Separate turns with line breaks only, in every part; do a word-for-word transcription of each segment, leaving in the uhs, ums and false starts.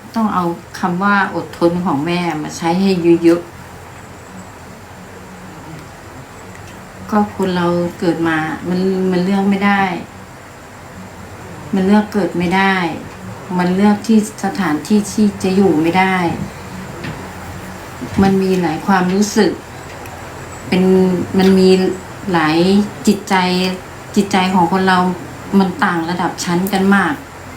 ต้องเอาคำว่าอดทนของแม่มาใช้ให้เยอะๆก็คนเราเกิดมามันมันเลือกไม่ได้ มันเลือกเกิดไม่ได้ มันเลือกที่สถานที่ที่จะอยู่ไม่ได้ มันมีหลายความรู้สึก เป็นมันมีหลายจิตใจจิตใจของคนเรามันต่างระดับชั้นกันมาก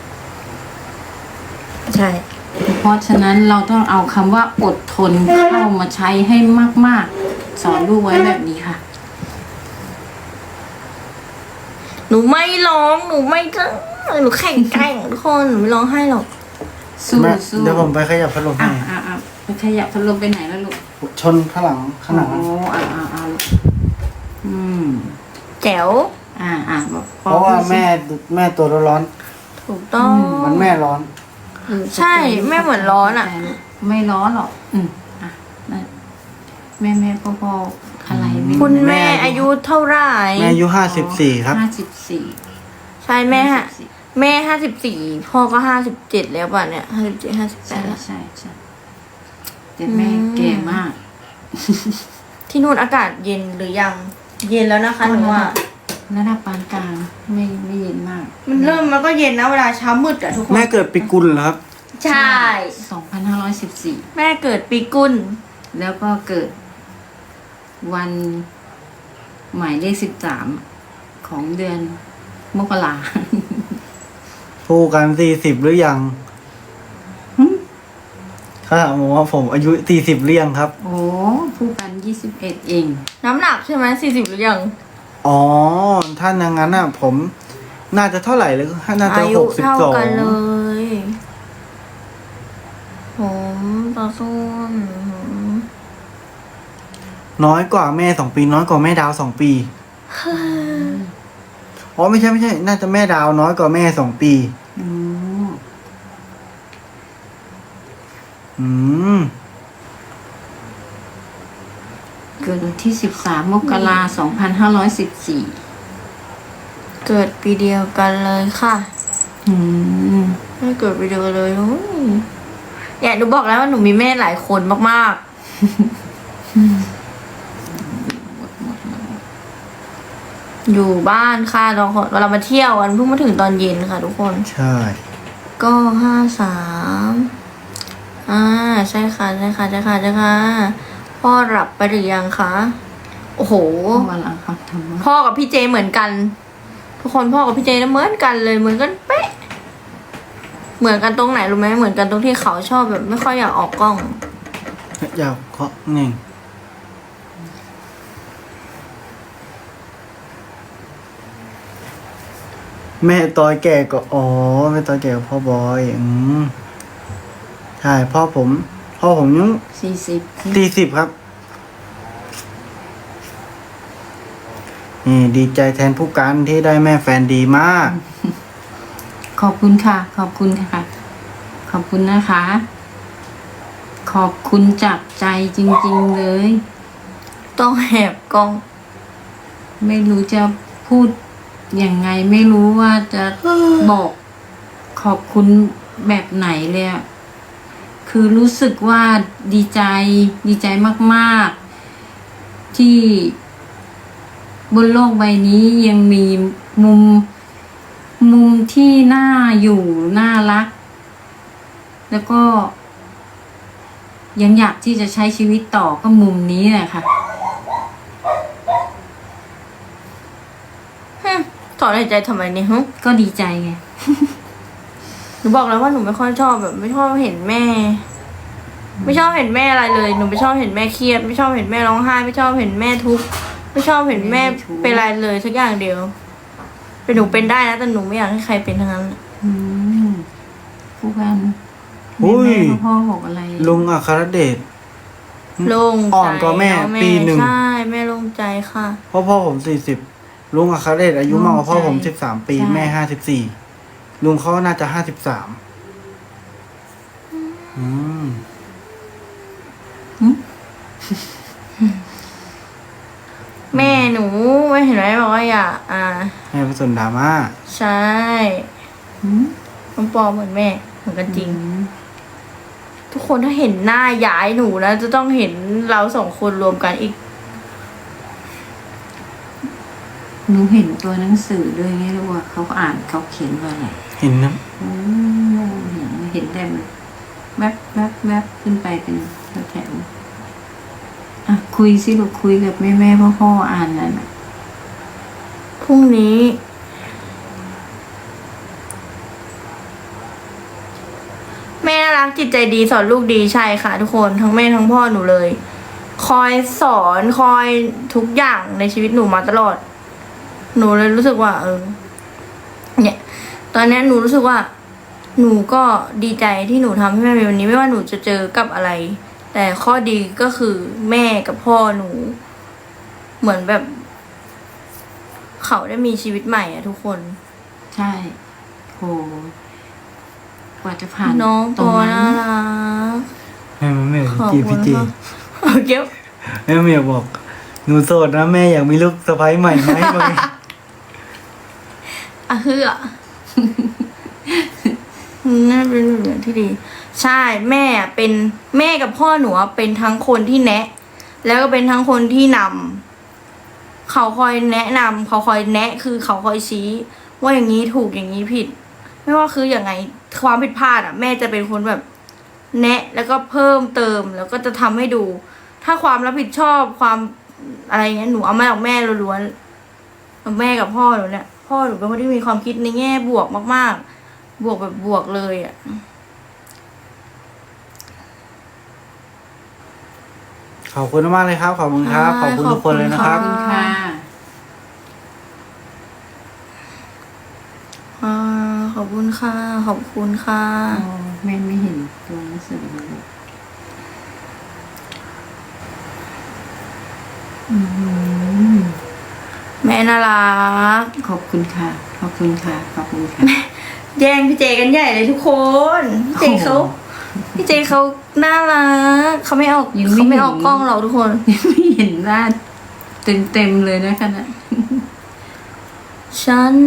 ใช่
เพราะฉะนั้นเราต้องเอาคำว่าอดทนเข้ามาใช้ให้มากๆสอนลูกไว้แบบนี้ค่ะ
หนูไม่ร้องหนูไม่ก็หนูแข่งแกร่งทุกคนหนูไม่ร้องไห้หรอก
สู้สู้
เดี๋ยวผมไปขยับพัดลมให้
อ่ะอ่ะไปขยับพัดลมไปไหนแล้วลูก
ชนข้างหลังข้างหลัง
โอ้อ่ะอ่ะอ่ะอืม
แจ๋ว
อ่าอ่า
เพราะว่าแม่แม่ตัวร้อน
ถูกต้อง
มันแม่ร้อน
ใช่แม่เหมือนร้อนอ่ะ
ไม่ร้อนหรอกอืมอ่ะแม่แม่พ่อพ่ออะไรไม่
คุณแม่อายุเท่าไหร่
แม่อายุห้าสิบสี่ครับ
ห้าสิบสี่
ใช่แม่ฮะแม่ห้าสิบสี่พ่อก็ห้าสิบเจ็ดแล้วป่ะเนี่ยห้าสิบเจ็ดห้าสิบแปดแล้ว
ใช่ใช่แต่แม่แก่มาก
ที่นู่นอากาศเย็นหรือยังเย็นแล้วนะคะหนูว่า
ระดับปานกลางไม่ไม่เย็นมาก
มันเริ่มมันก็เย็นนะเวลาเช้ามืดอะทุกคน
แม่เกิดปีกุลเหรอครับ
ใช่
สองพันห้าร้อยสิบสี่
แม่เกิดปีกุล
แล้วก็เกิดวันหมายเลขสิบสามของเดือนมกรา
พูดกันสี่สิบหรือยังเขาถามว่าผมอายุสี่สิบหรือยังครับ
โอ้พูดกันยี่สิบเอ็ดเอง
น้ำหนักใช่ไหมสี่สิบหรือยัง
อ๋อถ้าอย่างนั้นอ่ะผมน่าจะเท่าไหร่เลยน่าจะหกสิบสอง
อายุเท่ากันเลยผมต่อสู้
น้อยกว่าแม่สองปีน้อยกว่าแม่ดาวสองปีอ๋อไม่ใช่ไม่ใช่น่าจะแม่ดาวน้อยกว่าแม่สองปีอืม
เกิดวันที่สิบสามมกราสองพันห้าร้อยสิบสี่
เกิดปีเดียวกันเลยค่ะ
อืม
ไม่เกิดปีเดียวกันเลยเนี่ยหนูบอกแล้วว่าหนูมีแม่หลายคนมากๆอยู่บ้านค่ะเราเรามาเที่ยวกันเพิ่งมาถึงตอนเย็นค่ะทุกคน
ใช่
ก็ห้าสามอ่าใช่ค่ะใช่ค่ะใช่ค่ะใช่ค่ะพ่อหลับไปหรือยังคะโอ้โหพ่อกับพี่เจเหมือนกันทุกคนพ่อกับพี่เจนะเหมือนกันเลยเหมือนกันเป๊ะเหมือนกันตรงไหนรู้ไหมเหมือนกันตรงที่เขาชอบแบบไม่ค่อยอยากออกกล้อง
อยากเคาะเน่งแม่ตอยแก่ก็อ๋อแม่ตอยแก่กับพ่อบอยอืมใช่พ่อผมพ่อผมยัง
สี่สิบ
สี่สิบครับนี่ดีใจแทนผู้การที่ได้แม่แฟนดีมาก
ขอบคุณค่ะขอบคุณค่ะขอบคุณนะคะ ขอบคุณจากใจจริงๆเลย
ต้องแหบกล้อง
ไม่รู้จะพูดยังไงไม่รู้ว่าจะบอกขอบคุณแบบไหนเลยอะคือรู้สึกว่าดีใจดีใจมากๆที่บนโลกใบนี้ยังมีมุมมุมที่น่าอยู่น่ารักแล้วก็ยังอยากที่จะใช้ชีวิตต่อก็มุมนี้แหละค่ะ
ถอนหายใจทำไมเนี่ยฮะ
ก็ดีใจไง
หนูบอกแล้วว่าหนูไม่ค่อยชอบแบบไม่ชอบเห็นแม่ไม่ชอบเห็นแม่อะไรเลยหนูไม่ชอบเห็นแม่เครียดไม่ชอบเห็นแม่ร้องไห้ไม่ชอบเห็นแม่ทุกข์ไม่ชอบเห็นแม่เป็นอะไรเลยสักอย่างเดียวเป็นหนูเป็นได้นะแต่หนูไม่อยากให้ใครเป็นทั้งนั้น
อืมผู้กันแม่พ่อบอกอะไร
ลุงอัครเดช
ลุง
อ่อนกว่าแม่ปีหนึ่ง
ใช่แม่ลงใจค่ะ
พ่อพ่อผมสี่สิบลุงอัครเดชอายุมากกว่าพ่อผมสิบสามปีแม่ห้าสิบสี่ลุงเขาน่าจะห้าสิบสามอืม
แม่หนูไม่เห็นไหมบอกว่าอย่าอ่า
แม่ผสมดราม่า
ใช่น้องปอเหมือนแม่เหมือนกันจริงทุกคนถ้าเห็นหน้าย้ายหนูนะจะต้องเห็นเราสองคนรวมกันอีก
หนูเห็นตัวหนังสือด้วยไงรู้ว่าเขาอ่านเขาเขียนว่าอะไร
เห็นนะ
อืมเห็นเห็นแต่แบบแวบแวบแวบขึ้นไปเป็นแถวๆอ่ะคุยสิลูกคุยกับแม่แม่พ่อพ่ออ่านนั่นน่ะ
พรุ่งนี้ แม่น่ารักจิตใจดีสอนลูกดีใช่ค่ะทุกคนทั้งแม่ทั้งพ่อหนูเลย คอยสอนคอยทุกอย่างในชีวิตหนูมาตลอด หนูเลยรู้สึกว่า เออ เนี่ย ตอนนี้หนูรู้สึกว่า หนูก็ดีใจที่หนูทำให้แม่เป็นวันนี้ไม่ว่าหนูจะเจอกับอะไร แต่ข้อดีก็คือแม่กับพ่อหนู เหมือนแบบ เขาได้มีชีวิตใหม่อะทุกคน
ใช่โหกว่าจะผ่าน
น้อง
ตร
ตั
ง
ว
นั้
น่าน รัก
แม่ไม่อยาก
ขอบ
จีบ
คุ
พี่
ณ
เจ
มากเอาเก็บ
แม่ไม่อยากบอกหนูโสดนะแม่อยากมีลูกสะใภ้ใหม่ไหมบางที
อ่ะเฮือน่าเป็นเรื่องที่ดี ใช่แม่เป็นแม่กับพ่อหนูอะเป็นทั้งคนที่แนะ แล้วก็เป็นทั้งคนที่นำเขาคอยแนะนำเขาคอยแนะ คือเขาคอยชี้ ว่าอย่างนี้ถูกอย่างนี้ผิด ไม่ว่าคืออย่างไงความผิดพลาดอ่ะ แม่จะเป็นคนแบบ แนะ แล้วก็เพิ่มเติมแล้วก็จะทำให้ดู ถ้าความรับผิดชอบความอะไรเงี้ยหนูเอามาจากแม่ล้วนๆแม่กับพ่อหนูเนี่ย พ่อหนูเป็นคนที่มีความคิดในแง่บวกมากๆ บวกแบบบวกเลยอ่ะ
ขอบคุณมากเลยครับ ขอบคุณครับ ขอบคุณทุกคนเลยนะครับ
ขอบคุณค่ะ
อ่าขอบคุณค่ะ ขอบคุณค่ะ
อ๋อแม่ไม่เห็นตัวหนังสือเลยอืม
แม่น่ารัก
ขอบคุณค่ะ ขอบคุณค่ะ ขอบคุณค่ะ
แย่งพี่เจกันใหญ่เลยทุกคนพี่เจเขา
โอ้โห
พี่เจเขาน่ารักเขาไม่ออก
ยังไม่
เขาไม่
เห็น
ออกกล้องหรอกทุกคน
ยังไม่เห็นหน้าเต็มเต็มๆเลยนะคะนะ
ฉัน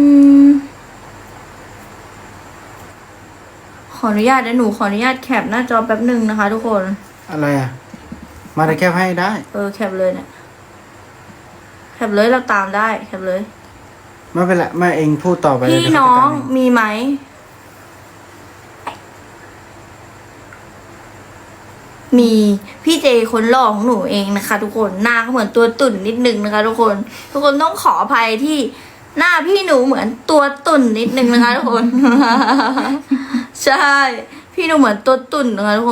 ขออนุญาตนะหนูขออนุญาตแคปหน้าจอแป๊บหนึ่งนะคะ ทุกคน
อะไรอ่ะ มาแต่แคปให้ได้
เออแคปเลยเนี่ยแคปเลยเราตามได้แคปเลย
ไม่เป็นไรแม่เองพูดต่อไปเลย
พี่
เดี๋ยว
น้อง
เขาจัดการเ
มีไหม มีพี่เจคนหล่อของหนูเองนะคะ ทุกคนหน้าเขาเหมือนตัวตุ่นนิดนึงนะคะ ทุกคน ทุกคนต้องขออภัยที่หน้าพี่หนูเหมือนตัวตุ่นนิดนึงนะคะ ทุกคน ใช่ พี่หนูเหมือนตัวตุ่นนะคะทุกคน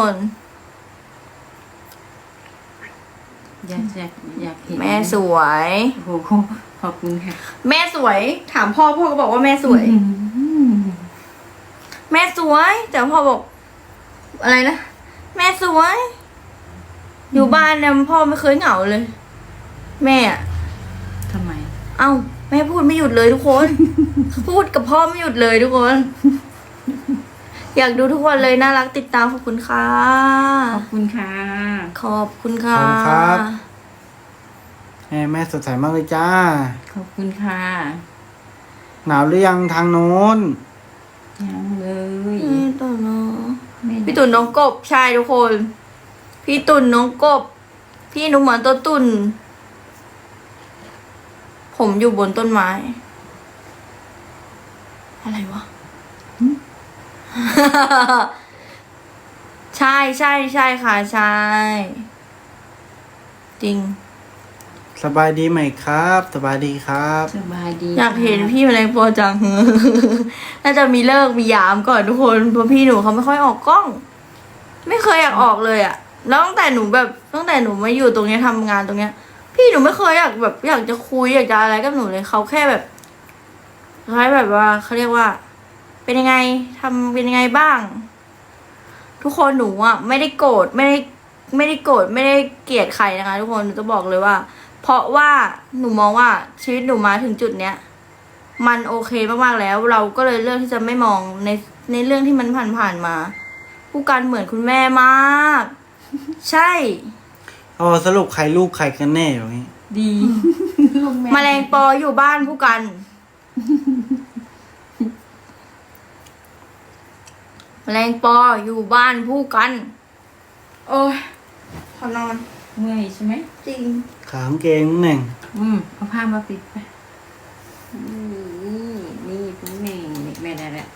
อยากอยากอยากเห็น
แม่สวย
โอ้โหขอบคุณค่ะ
แม่สวย ถามพ่อพ่อก็บอกว่าแม่สวย
อืม
แม่สวย แต่พ่อบอก อะไรนะแม่สวย อยู่บ้านเนี่ยพ่อไม่เคยเหงาเลย แม่อะ
ทำไม
เอ้าแม่พูดไม่หยุดเลยทุกคน พูดกับพ่อไม่หยุดเลยทุกคน อยากดูทุกวันเลยน่ารักติดตามขอบคุณค่ะ
ขอบคุณค่ะ
ขอบคุณค่ะ
ขอบคุณครับ แม่แม่สดใสมากเลยจ้า
ขอบคุณค่ะ
หนาวหรือยังทางโน้น
ยังเลย
พี่ตุ่นน้อง
ไม่
พี่ตุ่นน้องกบใช่ทุกคน พี่ตุ่นน้องกบ พี่หนูเหมือนตัวตุ่น ผมอยู่บนต้นไม้ อะไรวะ ใช่ใช่ใช่ค่ะใช่ จริง
สบายดีไหมครับ สบายดีครับ
สบายดี
อยากเห็น
ค่ะ
พี่แมลงปอจัง น่าจะมีเลิกมียามก่อนทุกคนเพราะพี่หนูเขาไม่ค่อยออกกล้อง ไม่เคยอยากออกเลยอะแล้วตั้งแต่หนูแบบตั้งแต่หนูมาอยู่ตรงเนี้ยทำงานตรงเนี้ย พี่หนูไม่เคยอยากแบบอยากจะคุยอยากจะอะไรกับหนูเลยเขาแค่แบบคล้ายแบบว่าเขาเรียกว่า เป็นยังไงทำเป็นยังไงบ้าง ทุกคนหนูอะไม่ได้โกรธไม่ได้ไม่ได้โกรธไม่ได้เกลียดใครนะคะ ทุกคนหนูจะบอกเลยว่า เพราะว่าหนูมองว่าชีวิตหนูมาถึงจุดเนี้ย มันโอเคมากๆแล้ว เราก็เลยเลือกที่จะไม่มองในในเรื่องที่มันผ่านๆมา ผู้กันเหมือนคุณแม่มาก ใช่
อ๋อสรุปใครลูกใครกันแน่อย่างนี้
ดีลูก
แมลงปออยู่บ้านผู้กัน แมลงปออยู่บ้านผู้กันโอ้ยขอนอน
เมื่อยใช่ไหม
จริง
ขากางเกงหนึ่ง
อืมเอาผ้ามาปิดไปนี่นี่คุณแม่นี่แม่ได้แล้ว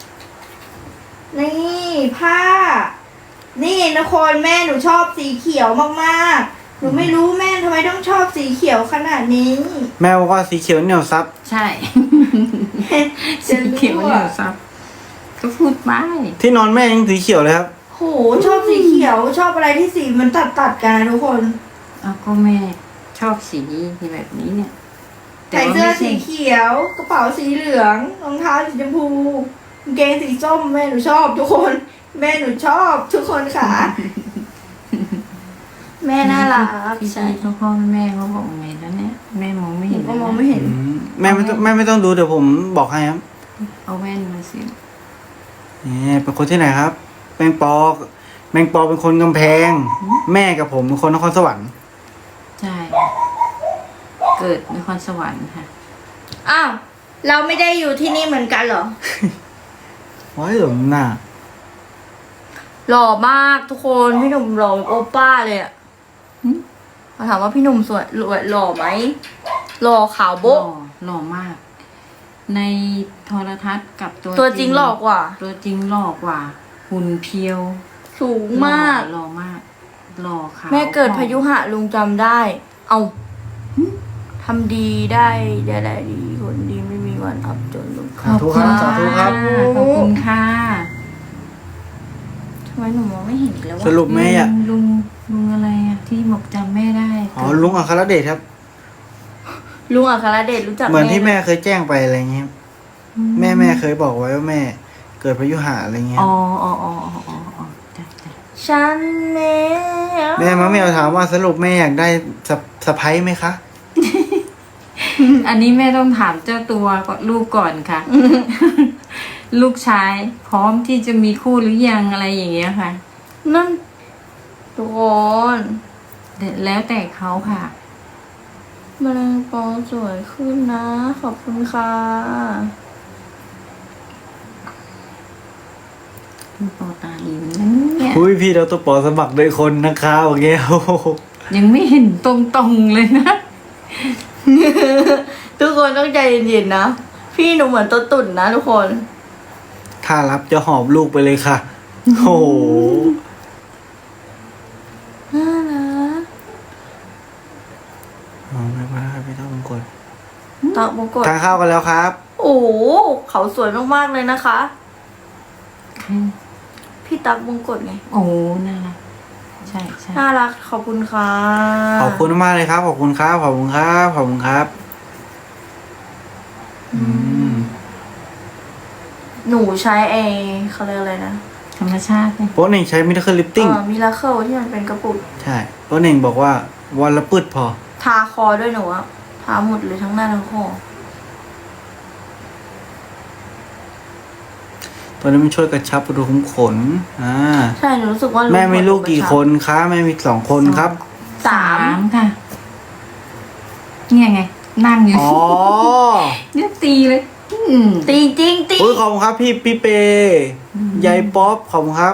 นี่ผ้า นี่นะคนแม่หนูชอบสีเขียวมากๆ หนูไม่รู้แม่ทำไมต้องชอบสีเขียวขนาดนี้
แม่บอกว่าสีเขียวเหนียวซับ
ใช่
จะ
สี
รู้
เขียวเหนียวซับก็พูดไป
ที่นอนแม่ยังสีเขียวเลยครับ
โหชอบสีเขียวชอบอะไรที่สีมันตัดตัดๆกันนะทุกคน
เอาก็แม่ชอบสีแบบนี้เนี่ย
ใส่เสื้อ
ว่าไม่
สี
ใช่
เขียว กระเป๋าสีเหลืองรองเท้าสีชมพูกางเกงสีส้มแม่หนูชอบทุกคน แม่หนูชอบทุกคนค่ะ แม่น่ารัก
พี่
ใช่
ชายเขาพ่อแม่เขาบอกไงแล้วเนี่ยแม่มองไม่
หนู
เห็น
ก็มองไม่เห็น
อืมแม่ไม่ต้องแม่ไม่ต้องดูเดี๋ยวผมบอกให้ครับ
เอาแว่นมาสิ
นี่เป็นคนที่ไหนครับแมงปอแมงปอเป็นคนกำแพง แม่กับผมเป็นคนนครสวรรค์
ใช่เกิดนครสวรรค์ค่ะ
อ้าวเราไม่ได้อยู่ที่นี่เหมือนกันเหรอ
ว้ายหลงหน้า
หล่อมากทุกคนพี่หนุ่มหล่อแบบโอป้าเลยอะ
หึ
เขาถามว่าพี่หนุ่มสวยหล่อหล่อไหมหล่อขาว
หล่
โบ๊ะ
อหล่อมาก ในโทรทัศน์กับตัว
ตัวจริงหล่อกว่า
ตัวจริงหล่อกว่า หุ่นเพียว
สูงมาก
หล่อมากหล่อขาว
แม่เกิดพายุหะลุงจำได้ เอาทำดีได้ได้ได้ดีคนดีไม่มีวันอับจนลุง
สาธุครับสาธุครับ
ขอบคุณค่ะ
ทำไมหนูมองไม่เห็นอีกแล้ว
ส
วะ
รุปแม่อ่ะ
ลุงลุงอะไรอะที่บอกจำแม่ได้
อ๋อลุงอัครเดชครับ
ลุงอัครเดชรู้จัก
เหมือนที่แม่เคยแจ้งไปอะไรเงี้ย แม่แม่เคยบอกไว้ว่าแม่ เกิดพายุหะอะไรเงี้ย
อ๋ออ๋ออ๋ออ๋ออ๋ออ๋อจ้ะจ้ะ
ฉันเน่
แม่มาเมียวถามว่าสรุปแม่อยากได้สะสะพ้ายไหมคะ
อันนี้แม่ต้องถามเจ้าตัวก่อนลูกก่อนค่ะ ลูกชายพร้อมที่จะมีคู่หรือยังอะไรอย่างเงี้ยค่ะ
นั่นทุกคน
แล้วแต่เขาค่ะ
แมลงปอสวยขึ้นนะ ขอบคุณค่ะ
คุณปอตาดีเหมือนกันเนี่ย
อุ้ยพี่เราตัวปอสมัครโดยคนนะคะโอเคโอ้โห
ยังไม่เห็นตรงๆเลยนะ
ทุกคนต้องใจเย็นๆนะ พี่หนูเหมือนตัวตุ่นนะทุกคน
ถ้ารับจะหอบลูกไปเลยค่ะ โอ้โห
น่ารัก
อ๋อไม่เป็นไรครับพี่ต้องมงคล
ตอกมงกฎ
ทานข้าวกันแล้วครับ
โอ้โหเขาสวยมากๆเลยนะคะ พี่ตักมงกฎไง
โอ้น่ารักใช่ใช่
น่ารักขอบคุณค่ะ
ขอบคุณมากเลยครับ ขอบคุณครับ ขอบคุณครับ ขอบคุณครับ อืม
หนูใช้เอเขาเรียกอะไรนะ
ธรรมชาติเลย
โป๊ะเน่งใช้มิราเคิลลิปติ้ง
เออมิราเคิลที่มันเป็นกระปุก
ใช่โป๊ะเน่งบอกว่าวันละปืดพอ
ทาคอด้วยหนูอะทาหมดเลยทั้งหน้าทั้งคอ
ตัวนี้มันช่วยกระชับรูขุมขน อ่า
ใช่หนูรู้สึกว่า
แม่มีลูกกี่คนคะแม่มีสองคนครับ
สาม
ค่ะ เนี่ยไง นั่งอยู่
อ๋อ
เนี่ยตีเลย อืม
ตีจริงตี
อุ้ยขอบคุณครับ พี่พี่เปยายป๊อปขอบคุณครับ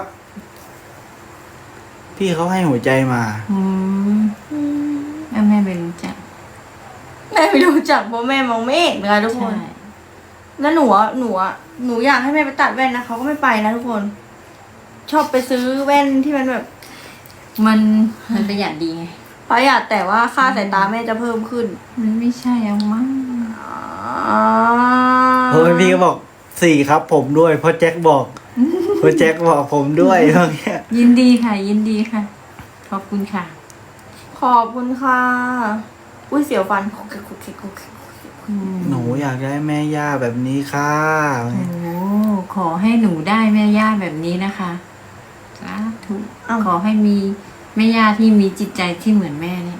พี่เขาให้หัวใจมา
อืมแม่แม่ไปรู้จัก
แม่ไม่รู้จักเพราะแม่มองไม่เห็นนะคะทุกคน
ใช่
แล้วหนูอะหนูอะหนูอยากให้แม่ไปตัดแว่นนะเขาก็ไม่ไปนะทุกคน ชอบไปซื้อแว่นที่มันแบบ
มันมันประหยัดดีไง
ประหยัดแต่ว่าค่าสายตาแม่จะเพิ่มขึ้น
มันไม่ใช่เอามั้ง
อ๋อ
เฮ้ยพี่ก็บอกสี่ครับผมด้วยเพราะแจ็คบอกเพราะแจ็คบอกผมด้วยเมื่อกี้
ยินดีค่ะ ยินดีค่ะ ขอบคุณค่ะ
ขอบคุณค่ะ อุ้ยเสียวฟันคุกคิกคุกคิกคุกคิก
อืม
หนูอยากได้แม่ย่าแบบนี้ค่ะ
โอ้ขอให้หนูได้แม่ย่าแบบนี้นะคะสาธุขอให้มีแม่ย่าที่มีจิตใจที่เหมือนแม่เนี่ย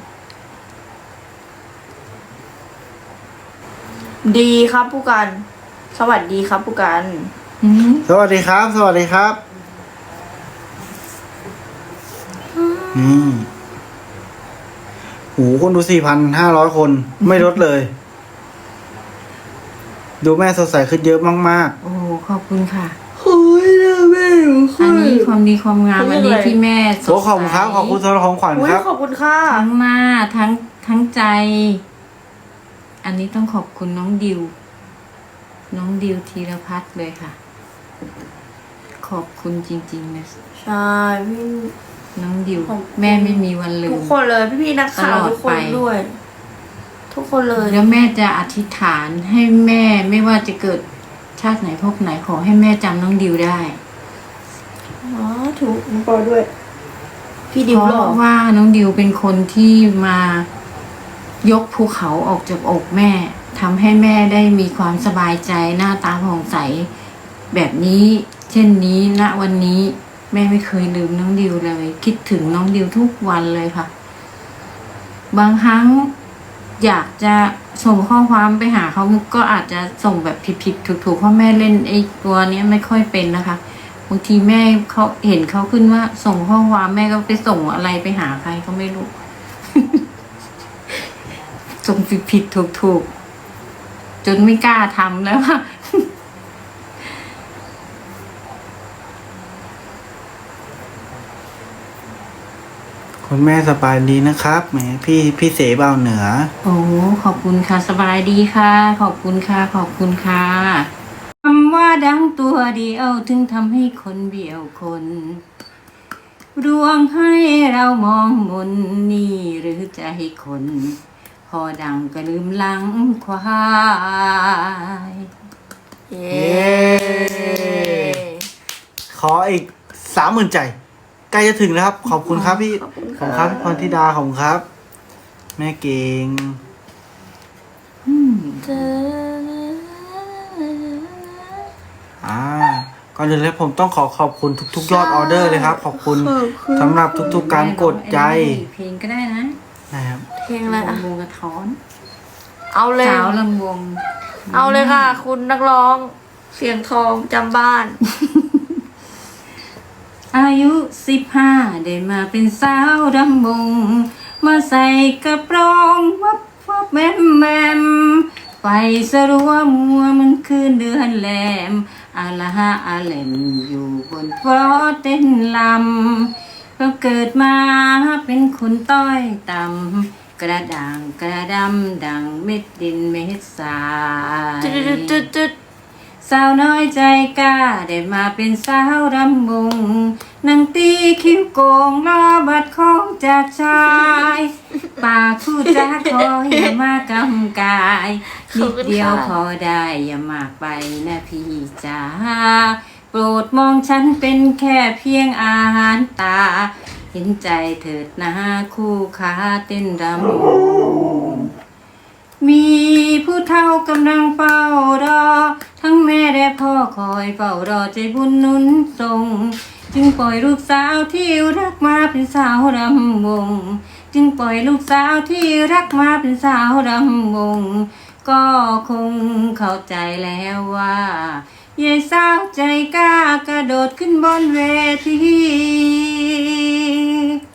ดีครับผู้กัน สวัสดีครับผู้กัน
อืม
สวัสดีครับ สวัสดีครับนี่หูคนดูสี่พันห้าร้อยคน ไม่ลดเลย ดูแม่สดใสขึ้นเยอะมาก
โอ้ขอบคุณค่ะ
โอ้ยนะแม่หนู
อันนี้ความดีดีความงามอันนี้ที่แม่ส
โอ้
ด
ขอบคุณครับ ขอบคุณสำหรับของขวัญ
อุ้ย
ครับ
ขอบคุณค่ะ
ทั้งหน้าทั้งทั้งใจ อันนี้ต้องขอบคุณน้องดิว น้องดิวธีรพัฒน์เลยค่ะ ขอบคุณจริงๆนะ
ใช่พี่
น้องดิว
ขอบคุณ
แม่ไม่มีวันลื
ทุก
ม
คนเลยพี่ๆนักข่าว
ตลอด
ทุกคน
ไป
ด้วย ทุกคนเลย
แล้วแม่จะอธิษฐานให้แม่ไม่ว่าจะเกิดชาติไหนภพไหนขอให้แม่จำน้องดิวได้
อ๋อถูกน้องปอด้วย พี่ดิ
เพ
วหล่อ
ราะว่าน้องดิวเป็นคนที่มายกภูเขาออกจากอกแม่ทำให้แม่ได้มีความสบายใจหน้าตาผ่องใส แบบนี้ เช่นนี้ณวันนี้ แม่ไม่เคยลืมน้องดิวเลย คิดถึงน้องดิวทุกวันเลยค่ะ บางครั้งอยากจะส่งข้อความไปหาเขาก็อาจจะส่งแบบผิดๆถูกๆเพราะแม่เล่นไอ้ตัวเนี้ยไม่ค่อยเป็นนะคะบางทีแม่เขาเห็นเขาขึ้นว่าส่งข้อความแม่ก็ไปส่งอะไรไปหาใครก็ไม่รู้ ส่งผิดๆถูกๆจนไม่กล้าทำแล้วค่ะ
คุณแม่สบายดีนะครับแหมพี่พี่เสเบาเหนือ
โอ้ขอบคุณค่ะสบายดีค่ะ ขอบคุณค่ะ ขอบคุณค่ะคำว่าดังตัวเดียวถึงทำให้คนเบี่ยวคนรวงให้เรามองมนนี่หรือใจคน พอดังก็ลืมหลังควาย
เย้
เย้ ขออีกสามหมื่นใจ ใกล้จะถึงแล้วครับ ขอบคุณครับพี่
ขอบคุณ
ขอบ
ค่ะ
คุณครับพรธิดาขอบคุณครับ แม่เก่ง
อืม
เจอ
อ่าก่อนอื่นเลยผมต้องขอขอบคุณทุกๆ ยอดออเดอร์เลยครับ ขอบคุณสำหรับทุกๆการกดใจ
เพลงก็ได้นะ
นะครับ
เพลงอะไรอ่ะ
ลำวงกระท้อน
เอาเลย
สาวลำวง
เอาเลยค่ะ คุณนักร้อง เสียงทองจำบ้าน
อายุสิบห้าได้มาเป็นสาวรำวงมาใส่กระโปรงวับวับแมมแมมไฟสรัวมัวมันคืนเดือนแหลมอาละฮะอาเลมอยู่บนฟลอเต้นลำก็เกิดมาเป็นคนต้อยต่ำกระด่างกระดำดังเม็ดดินเม็ดทราย
จุดจุดจุดจุด
สาวน้อยใจกล้าได้มาเป็นสาวรำวงนางตีคิ้วโกงรอบัดของจากชายปากพูดจาขออย่ามากำกายนิดเดียวพอได้อย่ามากไปนะพี่จ๋าโปรดมองฉันเป็นแค่เพียงอาหารตา เห็นใจเถิดนะคู่ขาเต้นรำวงมีผู้เฒ่ากำลังเฝ้ารอ ทั้งแม่และพ่อคอยเฝ้ารอใจบุญหนุนส่ง จึงปล่อยลูกสาวที่รักมาเป็นสาวรำวง จึงปล่อยลูกสาวที่รักมาเป็นสาวรำวง ก็คงเข้าใจแล้วว่ายายสาวใจกล้ากระโดดขึ้นบนเวที